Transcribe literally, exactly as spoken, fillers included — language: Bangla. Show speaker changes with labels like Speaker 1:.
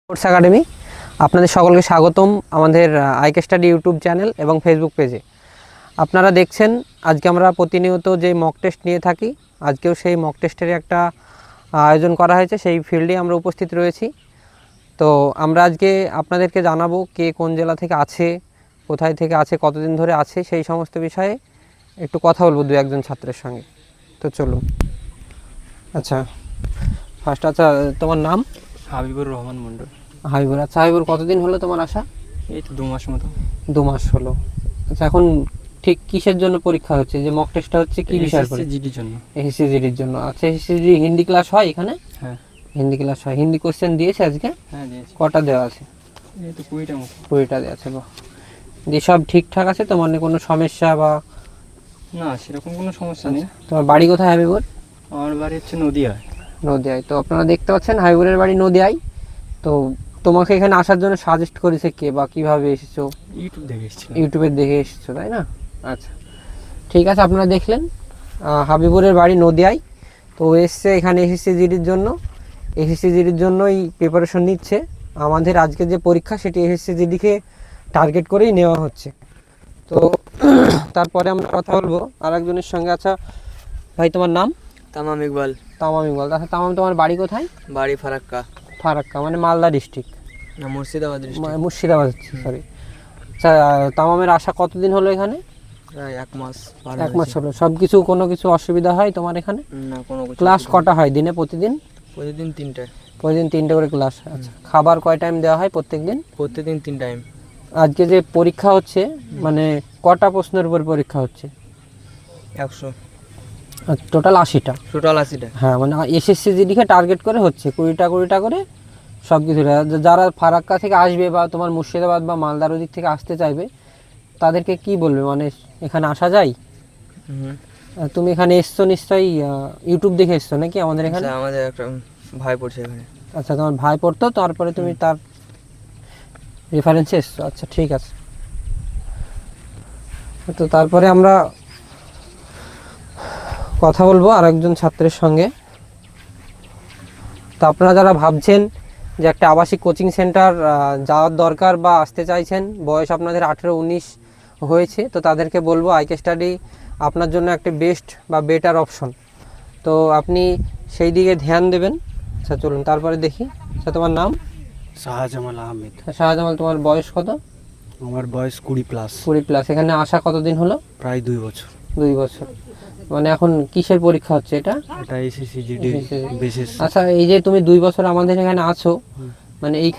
Speaker 1: কোর্স একাডেমি আপনাদের সকলকে স্বাগতম আমাদের আইকে স্টাডি ইউটিউব চ্যানেল এবং ফেসবুক পেজে। আপনারা দেখছেন আজকে আমরা প্রতিনিয়ত যে মক টেস্ট নিয়ে থাকি, আজকেও সেই মক টেস্টের একটা আয়োজন করা হয়েছে, সেই ফিল্ডে আমরা উপস্থিত রয়েছি। তো আমরা আজকে আপনাদেরকে জানাবো কে কোন জেলা থেকে আছে, কোথায় থেকে আছে, কতদিন ধরে আছে, সেই সমস্ত বিষয়ে একটু কথা বলবো দু একজন ছাত্রের সঙ্গে। তো চলুন। আচ্ছা, ফার্স্ট আচ্ছা তোমার নাম?
Speaker 2: হাবিবুর রহমান মন্ডল।
Speaker 1: হাবিবুর। আচ্ছা হাবিবুর, কতদিন হলো তোমার আসা?
Speaker 2: এই তো দু মাস মতো।
Speaker 1: দু মাস হলো। আচ্ছা, এখন ঠিক কিসের জন্য পরীক্ষা হচ্ছে, যে মক টেস্টটা হচ্ছে কি বিষয়ের পরে?
Speaker 2: জিডির জন্য।
Speaker 1: এসএসসি জিডির জন্য। আচ্ছা, এসএসসি জিডি হিন্দি ক্লাস হয় এখানে?
Speaker 2: হ্যাঁ
Speaker 1: হিন্দি ক্লাস হয়। হিন্দি কোশ্চেন দিয়েছে আজকে?
Speaker 2: হ্যাঁ দিয়েছি।
Speaker 1: কটা দেওয়া আছে?
Speaker 2: এই তো কুড়িটা মতো।
Speaker 1: কুড়িটা দেওয়া আছে। বাহ, দিয়ে সব ঠিকঠাক আছে তো, মানে কোনো সমস্যা বা?
Speaker 2: না, সেরকম কোনো সমস্যা নেই।
Speaker 1: তোমার বাড়ি কোথায় হাবিবুর?
Speaker 2: আমার বাড়ি হচ্ছে নদীয়ায়।
Speaker 1: নদিয়ায়। তো আপনারা দেখতে পাচ্ছেন হাবিবুরের বাড়ি নদিয়ায়। তো তোমাকে এখানে আসার জন্য সাজেস্ট করেছে কে বা কিভাবে এসেছো?
Speaker 2: ইউটিউব দেখে এসেছিলাম।
Speaker 1: ইউটিউবে দেখে এসেছো, তাই না? আচ্ছা ঠিক আছে, আপনারা দেখলেন আহ, হাবিবুরের বাড়ি নদিয়ায়। তো ও এসছে এখানে এসএসসি জিডির জন্য। এসএসসি জিডির জন্যই প্রিপারেশন নিচ্ছে। আমাদের আজকে যে পরীক্ষা সেটি এসএসসি জিডিকে টার্গেট করেই নেওয়া হচ্ছে। তো তারপরে আমরা কথা বলবো আর একজনের সঙ্গে। আচ্ছা ভাই, তোমার নাম?
Speaker 2: তামাম ইকবাল।
Speaker 1: তামাম ইকবাল। আচ্ছা তামাম, তোমার বাড়ি কোথায়?
Speaker 2: বাড়ি ফারাক্কা।
Speaker 1: ফারাক্কা মানে মালদা ডিস্ট্রিক্ট?
Speaker 2: না, মুর্শিদাবাদ ডিস্ট্রিক্ট।
Speaker 1: মুর্শিদাবাদ, সরি। আচ্ছা, তামামের আসা কতদিন হলো এখানে?
Speaker 2: প্রায় এক মাস।
Speaker 1: এক মাস হলো। সব কিছু কোনো কিছু অসুবিধা হয় তোমার এখানে?
Speaker 2: না, কোনো কিছু।
Speaker 1: ক্লাস কটা হয় দিনে, প্রতিদিন?
Speaker 2: প্রতিদিন তিনটায়।
Speaker 1: প্রতিদিন তিনটে করে ক্লাস। আচ্ছা, খাবার কয় টাইম দেওয়া হয় প্রত্যেক দিন?
Speaker 2: প্রতিদিন তিন টাইম।
Speaker 1: আজকে যে পরীক্ষা হচ্ছে মানে কটা প্রশ্নের উপর পরীক্ষা হচ্ছে?
Speaker 2: একশো।
Speaker 1: টোটাল আশিটা।
Speaker 2: টোটাল আশিটা।
Speaker 1: হ্যাঁ, মানে এসএসসি জিডিকে টার্গেট করে হচ্ছে কুড়িটা কুড়িটা করে সব কিছু। যারা ফারাক্কা থেকে আসবে বা তোমার মুর্শিদাবাদ বা মালদার ওদিক থেকে আসতে চাইবে তাদেরকে কি বলবে, মানে এখানে আসা যায়?
Speaker 2: হুম।
Speaker 1: আহ, তুমি এখানে এসছো নিশ্চয়ই ইউটিউব দেখে এসছো নাকি আমাদের এখানে?
Speaker 2: আচ্ছা, আমাদের একটা ভাই পড়ছে এখানে।
Speaker 1: আচ্ছা, তোমার ভাই পড়তো, তারপরে তুমি তার রেফারেন্সে এসছো। আচ্ছা ঠিক আছে। তো তারপরে আমরা কথা বলবো আর একজন ছাত্রের সঙ্গে। তো আপনারা যারা ভাবছেন যে একটা আবাসিক কোচিং সেন্টার যাওয়ার দরকার বা আসতে চাইছেন, বয়স আপনাদের আঠেরো উনিশ হয়েছে, তো তাদেরকে বলবো আইকে স্টাডি আপনার জন্য একটা বেস্ট বা বেটার অপশন। তো আপনি সেই দিকে ধ্যান দেবেন। আচ্ছা চলুন তারপরে দেখি। আচ্ছা তোমার নাম?
Speaker 3: শাহজামাল আহমেদ।
Speaker 1: শাহজামাল। তোমার বয়স কত?
Speaker 3: আমার বয়স কুড়ি প্লাস।
Speaker 1: কুড়ি প্লাস। এখানে আসা কতদিন হলো?
Speaker 3: প্রায় দুই বছর।
Speaker 1: দুই বছর। মানে এখন কিসের পরীক্ষা হচ্ছে এটা?
Speaker 3: এটা এসএসসি জিডি বিশেষ।
Speaker 1: আচ্ছা, এই যে তুমি দুই বছর আমাদের এখানে আছো, মানে এই